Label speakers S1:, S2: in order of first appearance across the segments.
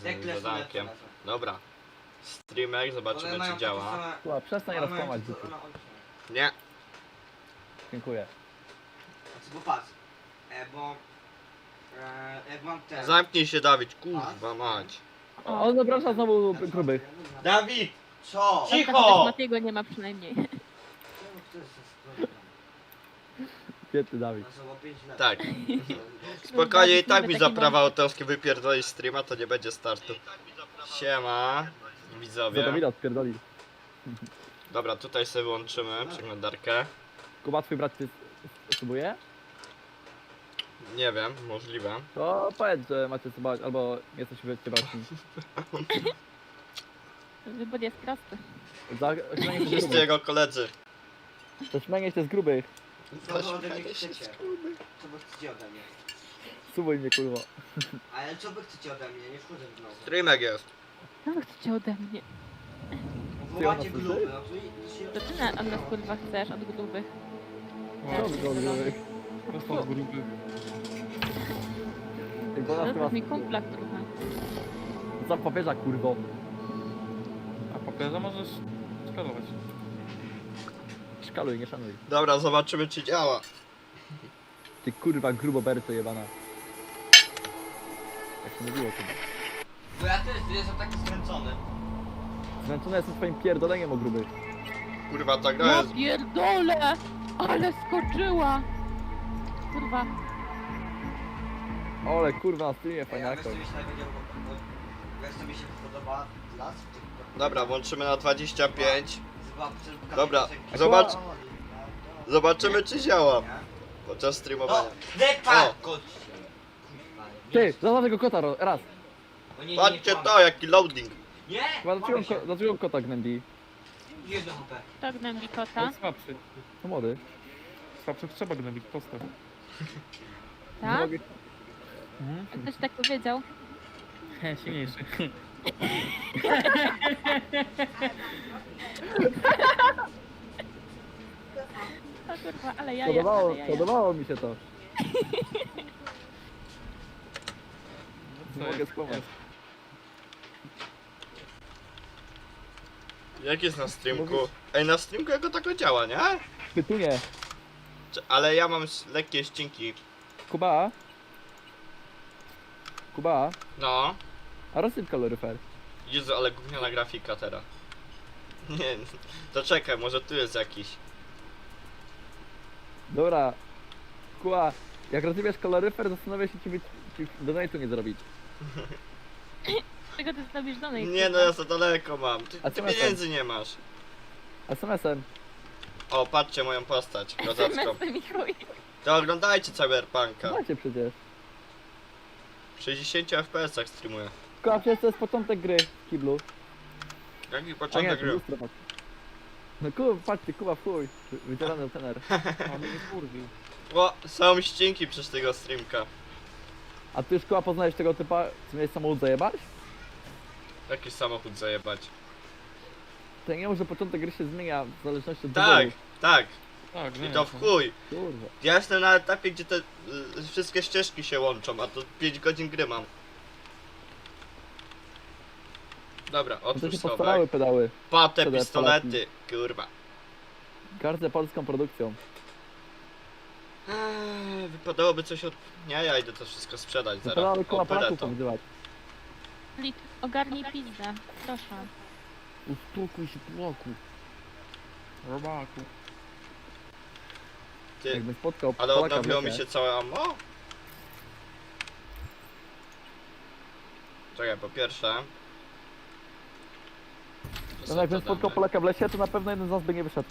S1: Dekle
S2: zadankiem. Dobra. Streamer, zobaczymy czy działa.
S3: Kuba, przestań rozkłamać dzieci.
S2: Nie.
S3: Dziękuję.
S1: Bo patrz, bo jak mam ten...
S2: Zamknij się Dawid, kurwa mać.
S3: O, on zaprasza znowu grubych.
S2: Dawid!
S1: Co?
S2: Cicho!
S4: Matiego nie ma przynajmniej.
S3: Świetny Dawid.
S2: Tak. Spokojnie, i tak mi
S4: Taki
S2: za
S4: mam-
S2: prawa autorskie wypierdolić streama, to nie będzie startu. Siema,
S3: Za
S2: widzowie.
S3: Dawida odpierdoli.
S2: Dobra, tutaj sobie włączymy przeglądarkę.
S3: Kuba, twój brat cię subuje?
S2: Nie wiem, możliwe.
S3: To powiedz, że macie subować, albo jesteście braćmi.
S4: Wybór jest prosty.
S3: Śmianie się z
S2: Wszyscy
S3: grubych.
S2: jego koledzy.
S3: To śmianie się z grubych.
S1: Co wy ode mnie chcecie? Co wy chcecie ode mnie?
S3: Subuj mnie, kurwa.
S1: Ale co wy chcecie ode mnie? Nie wchodzę w nowo.
S2: Streamek jest.
S4: Co wy chcecie ode mnie?
S1: Wołacie
S3: ona
S1: gruby,
S3: słyszy?
S1: no to się...
S4: To ty od nas kurwa chcesz, od grubych.
S3: Co wy od grubych?
S5: Prosto od grubych.
S3: Jak do nas
S4: To
S3: chyba
S4: jest mi kumpla trochę.
S3: za papieża, kurwo.
S5: A papieża możesz skalować.
S3: Szkaluj, nie szanuj.
S2: Dobra, zobaczymy czy działa.
S3: Ty kurwa grubo berto jebana. Jak się mówiło chyba.
S1: Bo ja też jestem taki zmęczony.
S3: Zmęczony jestem twoim pierdoleniem o grubych.
S2: Kurwa, ta gra
S4: Ja
S2: jest...
S4: pierdolę! Ale skoczyła! Kurwa.
S3: Ole kurwa na streamie
S1: Ej, a
S3: fajniako.
S1: wiesz co mi się najbardziej wiesz co mi się podoba las?
S2: Dobra, włączymy na 25.
S1: Zobaczę,
S2: Dobra, zobacz. Zobaczymy czy działa podczas streamowania.
S1: No, depa!
S2: O.
S1: Chodź.
S3: Ty, zobacz tego kota raz.
S2: Patrzcie to, jaki loading.
S1: Nie!
S3: Chyba dlaczego on kota gnębi?
S1: Jedno HP.
S4: To gnębi
S5: To
S4: kota.
S5: jest słabszy.
S3: To młody.
S5: Słabszych trzeba gnobić, postaw.
S3: Nie
S4: Tak?
S3: mogę-
S5: Mhm.
S4: A ktoś tak powiedział?
S5: Silniejszy.
S4: O kurwa, ale jaja,
S3: Podobało,
S4: ale jaja.
S3: podobało mi się to.
S5: Co
S3: Nie mogę
S5: jest?
S3: skłamać.
S2: Jak jest na streamku? Ej, na streamku jako tako działa, nie?
S3: Pytunie.
S2: Ale ja mam lekkie ścinki.
S3: Kuba? Kuba?
S2: No.
S3: A rozsyp kaloryfer.
S2: Jezu, ale gówniana grafika teraz. Nie, to czekaj, może tu jest jakiś.
S3: Dobra. Kuba, jak rozsypiesz kaloryfer, zastanawiam się, czy donate'u nie zrobić.
S4: Czego ty zrobisz do niej?
S2: Nie no, ja za daleko mam.
S3: A
S2: Ty
S3: co masz
S2: pieniędzy nie masz.
S3: SMS-em.
S2: O, patrzcie moją postać kozacką.
S4: mi chuj.
S2: To oglądajcie Cyberpunka.
S3: Macie przecież.
S2: W 60 FPS-ach streamuję.
S3: Kuba, przecież to jest początek gry w kiblu.
S2: Jaki
S3: A nie,
S2: początek
S3: to
S2: gry?
S3: lustro, patrz. No Kuba, patrzcie, Kuba w chuj. Wydzierany tener.
S5: A mnie kurwił.
S2: O, są ścinki przez tego streamka.
S3: A ty już Kuba poznałeś tego typa, co miałeś samochód zajebać?
S2: Jakiś samochód zajebać.
S3: To ja nie wiem, że początek gry się zmienia w zależności od
S2: Tak,
S3: wyboru.
S2: tak.
S5: Tak,
S2: I to w chuj.
S3: Kurwa.
S2: Ja jestem na etapie, gdzie te wszystkie ścieżki się łączą, a to 5 godzin gry mam. Dobra,
S3: No to
S2: otwórz
S3: się
S2: schowek.
S3: postarały pedały.
S2: Pate,
S3: CD,
S2: pistolety, kurwa.
S3: Gardzę polską produkcją.
S2: Wypadałoby coś od... Nie, ja idę to wszystko sprzedać zaraz.
S3: Pedały koła
S2: O, byle
S3: Polaków
S2: to.
S3: powyzywać.
S4: Lik, ogarnij pizdę. Proszę.
S3: Uspokój się, Polaku.
S5: Robaku.
S2: Ty,
S3: Jakbym spotkał
S2: ale
S3: Polaka w
S2: odnowiło mi
S3: lesie.
S2: się całe ammo? Czekaj, po pierwsze... to
S3: No
S2: sobie
S3: jakbym
S2: to
S3: spotkał
S2: damy.
S3: Polaka w lesie, to na pewno jeden z nas by nie wyszedł.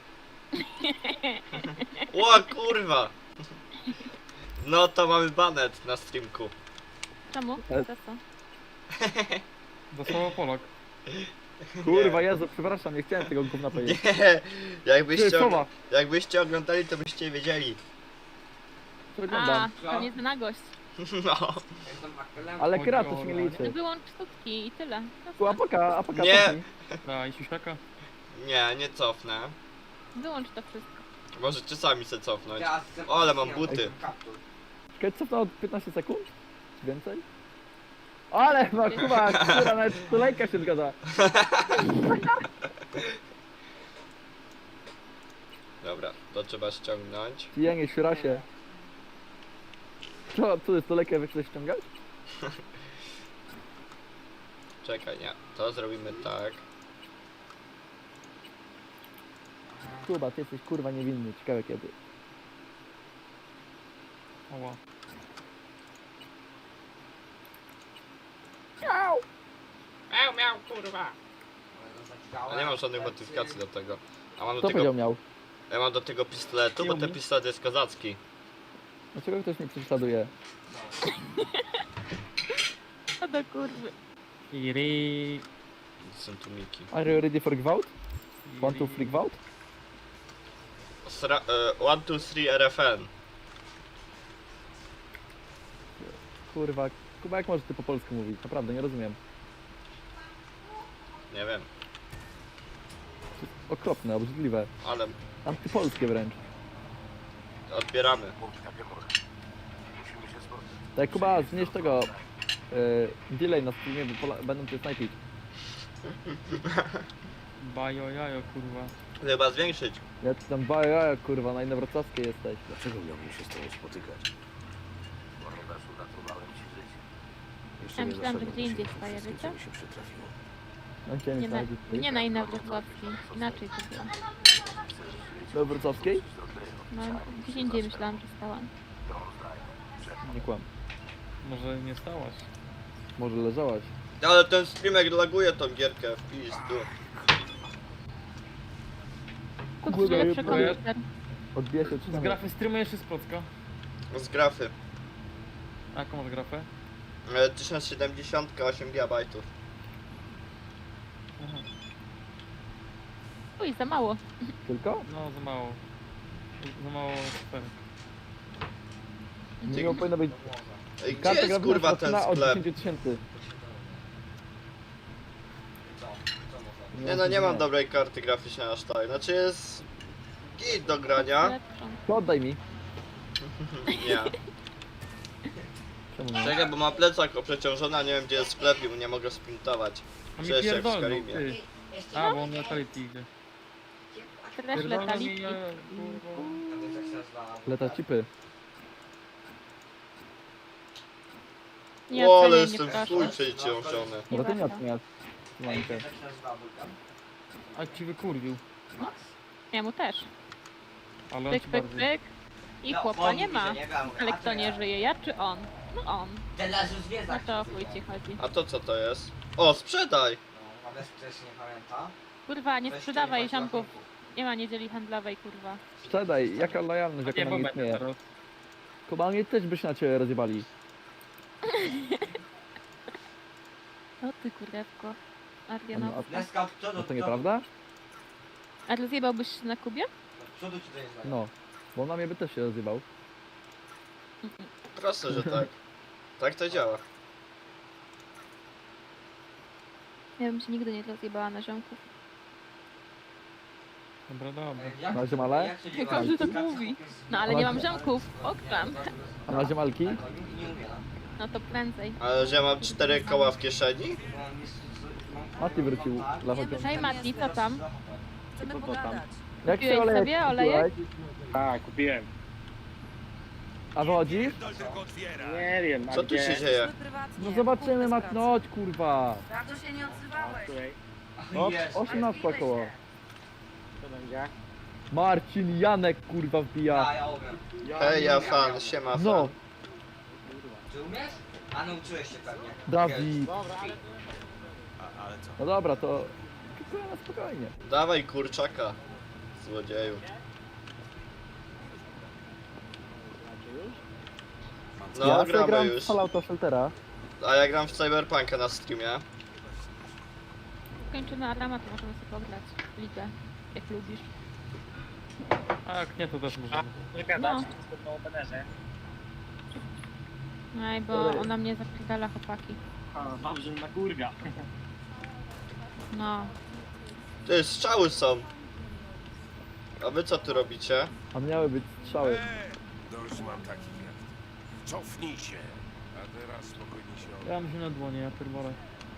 S2: O kurwa! No to mamy banet na streamku.
S4: Czemu?
S3: Ale-
S4: To co?
S5: Za słowo Polak.
S3: Kurwa, Jezu, przepraszam, nie chciałem tego gówna powiedzieć.
S2: Nie, jakbyście,
S3: Ty, Słowa.
S2: jakbyście oglądali, to byście wiedzieli.
S3: Co
S4: A,
S3: wyglądam.
S4: to nie za nagość.
S2: No.
S1: Jestem apelem.
S3: Ale
S5: Chodzi
S3: kra,
S5: o
S3: to się nie
S5: Orlanie.
S3: liczy.
S4: Wyłącz sztuczki i tyle.
S3: Tu apaka,
S2: Nie.
S3: cofnij.
S5: A i siusiaka?
S2: Nie, nie cofnę.
S4: Wyłącz to wszystko.
S2: Możecie sami se cofnąć.
S1: Ja chcę-
S2: O, ale mam buty.
S1: Kaptur.
S3: Czekaj, cofnę od 15 sekund? Czy więcej? Ale ma Kuba, która nawet tulejka się zgadza.
S2: Dobra, to trzeba ściągnąć.
S3: Jenie, się. Co jest tulejkę wy chcesz ściągać?
S2: Czekaj, nie. To zrobimy tak.
S3: Kuba, ty jesteś kurwa niewinny, ciekawe kiedy.
S5: Oła.
S2: Miał, kurwa. A nie mam żadnych modyfikacji do tego. A mam do
S3: Kto
S2: tego...
S3: powiedział miał?
S2: Ja mam do tego pistoletu, bo ten pistolet jest kozacki.
S3: Dlaczego ktoś mnie prześladuje?
S4: Co do kurwy.
S5: Iri.
S2: Są tu miki.
S3: Are you ready for gwałt? Want to free gwałt?
S2: 1, 2, 3 RFN.
S3: Kurwa, Kuba, jak możesz ty po polsku mówić? Naprawdę, nie rozumiem.
S2: Nie wiem,
S3: Okropne, obrzydliwe.
S2: ale
S3: Antypolskie wręcz.
S2: odbieramy.
S3: Tak, Kuba, zmniejsz tego delay na streamie, bo będą cię snajpić.
S5: Bajo jajo, kurwa.
S2: Chyba zwiększyć.
S3: Ja ci tam baja, kurwa, na inowrocławskiej jesteś.
S6: Dlaczego miałbym się z tobą spotykać? Ponieważ uratowałem ci życie. Jeszcze
S4: Ja
S6: nie
S4: myślałam, że
S6: doszedłem
S4: gdzie
S6: do
S4: indziej
S6: siebie,
S4: staje,
S6: wszystkim,
S4: wiecie?
S6: co mi się przytrafiło.
S3: On cię nie
S4: Nie na,
S3: znajdzie.
S4: nie na Inowrocławskiej. Inaczej to było.
S3: Do wrocławskiej?
S4: No, gdzieś indziej myślałam, że stałam.
S3: Nie kłam.
S5: Może nie stałaś.
S3: Może leżałaś.
S2: Ale ten streamek laguje tą gierkę w pizdu.
S4: Kup
S3: Kurde,
S4: sobie lepszy
S3: bo ja-
S4: komputer.
S3: Odbija się
S5: Z
S3: czy
S5: grafy streamujesz czy z Plocka?
S2: Z grafy.
S5: A jaką masz grafę?
S2: 1070, 8 GB.
S5: Aha.
S4: Uj, za mało.
S3: Tylko?
S5: No, za mało. Za mało sfer.
S3: Nie powinno być.
S2: Ej, gdzie
S3: Karta
S2: jest
S3: graficzna
S2: kurwa
S3: się
S2: ten
S3: zaczyna od
S2: sklep?
S3: 10 tysięcy.
S2: Nie no, nie mam dobrej karty graficznej aż tak. Znaczy jest... git do grania.
S4: Lepszą.
S3: To oddaj mi.
S2: Nie.
S3: Czemu nie?
S2: Czekaj, bo ma plecak oprzeciążony, a nie wiem gdzie jest sklep i nie mogę sprintować.
S5: A mi
S2: Cześć, jak w
S5: pierdolną,
S2: Skyrimie.
S5: ty. A, bo on letality idzie.
S4: Też
S5: Pierdolną
S4: letali.
S5: mi, kurwa.
S3: Leta cipy.
S4: Nie
S2: O, ale
S4: oceniaj, nie
S2: jestem
S4: proszę.
S2: fuj przeciążony.
S3: Może ty nie
S4: warto.
S3: oceniasz. Mańkę.
S5: A ci wykurwił.
S4: Ja mu też.
S5: Ale on
S4: Pyk,
S5: ci
S4: pyk,
S5: bardziej.
S4: pyk. I chłopa nie ma. Ale kto nie żyje, ja czy on? No on.
S1: Teraz już
S4: No
S1: zwiedzać.
S4: to o chuj ci chodzi.
S2: A to co to jest? O, sprzedaj!
S1: No, a bez ktoś nie pamięta.
S4: Kurwa, nie
S1: Weźcie
S4: sprzedawaj
S1: nie bądź
S4: ziomków.
S1: lotników.
S4: Nie ma niedzieli handlowej, kurwa.
S3: Sprzedaj, jaka lojalność,
S5: Nie,
S3: jaka
S5: bo
S3: na mnie
S5: będę
S3: istnieje.
S5: teraz.
S3: Kuba, mnie też byś na ciebie rozjebali.
S4: O ty kurewko.
S3: A,
S4: Arianowska.
S1: Leska od przodu,
S3: a to nieprawda?
S4: A rozjebałbyś się na Kubie?
S1: Od przodu ci to jest znane.
S3: No. Bo na mnie by też się rozjebał.
S2: Proste, że tak. Tak to działa.
S4: Ja bym się nigdy nie rozjebała na ziomków.
S5: Dobra, dobra.
S1: Jak-
S3: Na ziomale?
S1: jak się
S4: Jak
S1: dzieje?
S4: każdy tak mówi. No ale nie mam ziomków. Okram.
S3: A na ziemalki?
S1: Tak, nie mówię, no.
S4: No to prędzej.
S2: Ale że ja mam 4 koła w kieszeni?
S1: Mam jest-
S3: Mati wrócił
S1: Tak.
S3: dla chociaż.
S4: Hej Mati, co tam?
S7: Chcemy
S3: Co to tam?
S7: pogadać.
S3: Jak
S4: Kupiłeś
S3: się olejek
S4: sobie olejek?
S3: kupiłeś?
S8: Tak, kupiłem.
S3: A wychodzisz?
S8: Nie wiem, a
S2: Co tu
S8: gdzie?
S2: się dzieje?
S7: Chcemy prywatnie.
S3: No zobaczymy,
S7: Bez
S3: Mati,
S7: pracy.
S3: no chodź kurwa.
S7: Bardzo się nie odzywałeś.
S8: Której?
S3: No,
S1: Jest.
S3: 18 około.
S8: Co będzie?
S3: Marcin, Janek kurwa wbija.
S1: Ja umiem.
S2: Hej, ja fan, siema fan.
S3: No,
S1: Czy umiesz? A nauczyłeś się pewnie.
S3: Dawid.
S8: Dobra, ale...
S3: No dobra, to... Kupuję na spokojnie.
S2: Dawaj kurczaka, złodzieju. No,
S3: Ja sobie
S2: gramy
S3: gram w
S2: już.
S3: Fallouta Sheltera.
S2: A ja gram w Cyberpunka na streamie.
S4: Kończymy Adama, to możemy sobie pograć ligę. Jak lubisz.
S5: A jak nie, to też możemy.
S8: Nie gadać,
S4: No.
S8: jestem na openerze.
S4: Aj, bo ona mnie zapierdala chłopaki.
S8: Dobrze, na kurwia.
S4: No.
S2: Ty, strzały są. A wy co tu robicie?
S3: A miały być strzały.
S6: Dość mam takich jak... Cofnij się.
S7: Teraz spokojnie się
S5: Ja mam się na dłonie, ja pierdolę.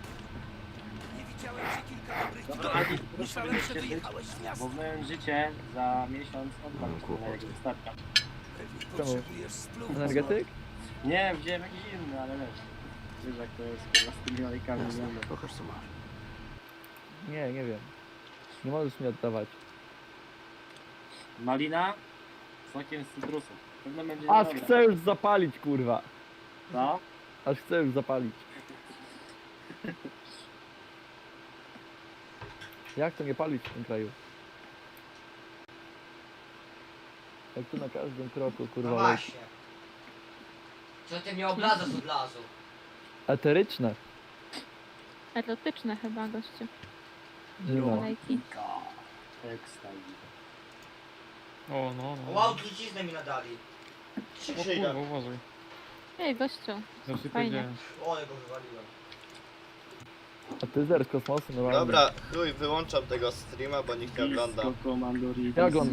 S8: Dobra, Adi, myślałem, że wyjechałeś z miasta. Bo moje życie za miesiąc oddam na jakiś starka.
S3: Czemu? Energetyk?
S8: Nie, wziąłem jakiś inny, ale wiesz jak to jest kurwa z tymi olejkami.
S6: Jasne, pokaż co masz.
S3: Nie wiem. Nie możesz mi oddawać.
S8: Malina z sokiem z cytrusu. Pewno będzie
S3: Aż
S8: dobra.
S3: chcę już zapalić, kurwa.
S8: Co?
S3: Aż chcę już zapalić. Jak to nie palić w tym kraju? Jak tu na każdym kroku,
S1: No
S3: kurwa, leci.
S1: właśnie. Co ty mnie obladzasz od lasu?
S3: Eteryczne.
S4: Erotyczne chyba, gościu.
S3: No.
S4: Lejki.
S8: Ekstaz.
S5: O, no, no.
S1: Wow, truciznę mi nadali.
S5: O kurwa, uważaj.
S4: Ej, gościu.
S5: Zawsze
S4: Fajnie.
S5: powiedziałem.
S1: O, ale go wywaliłem.
S3: A ty zer z kosmosu, no ładnie.
S2: Dobra, chuj, wyłączam tego streama, bo nikt nie ogląda.
S8: Komandori.
S3: Ja oglądam.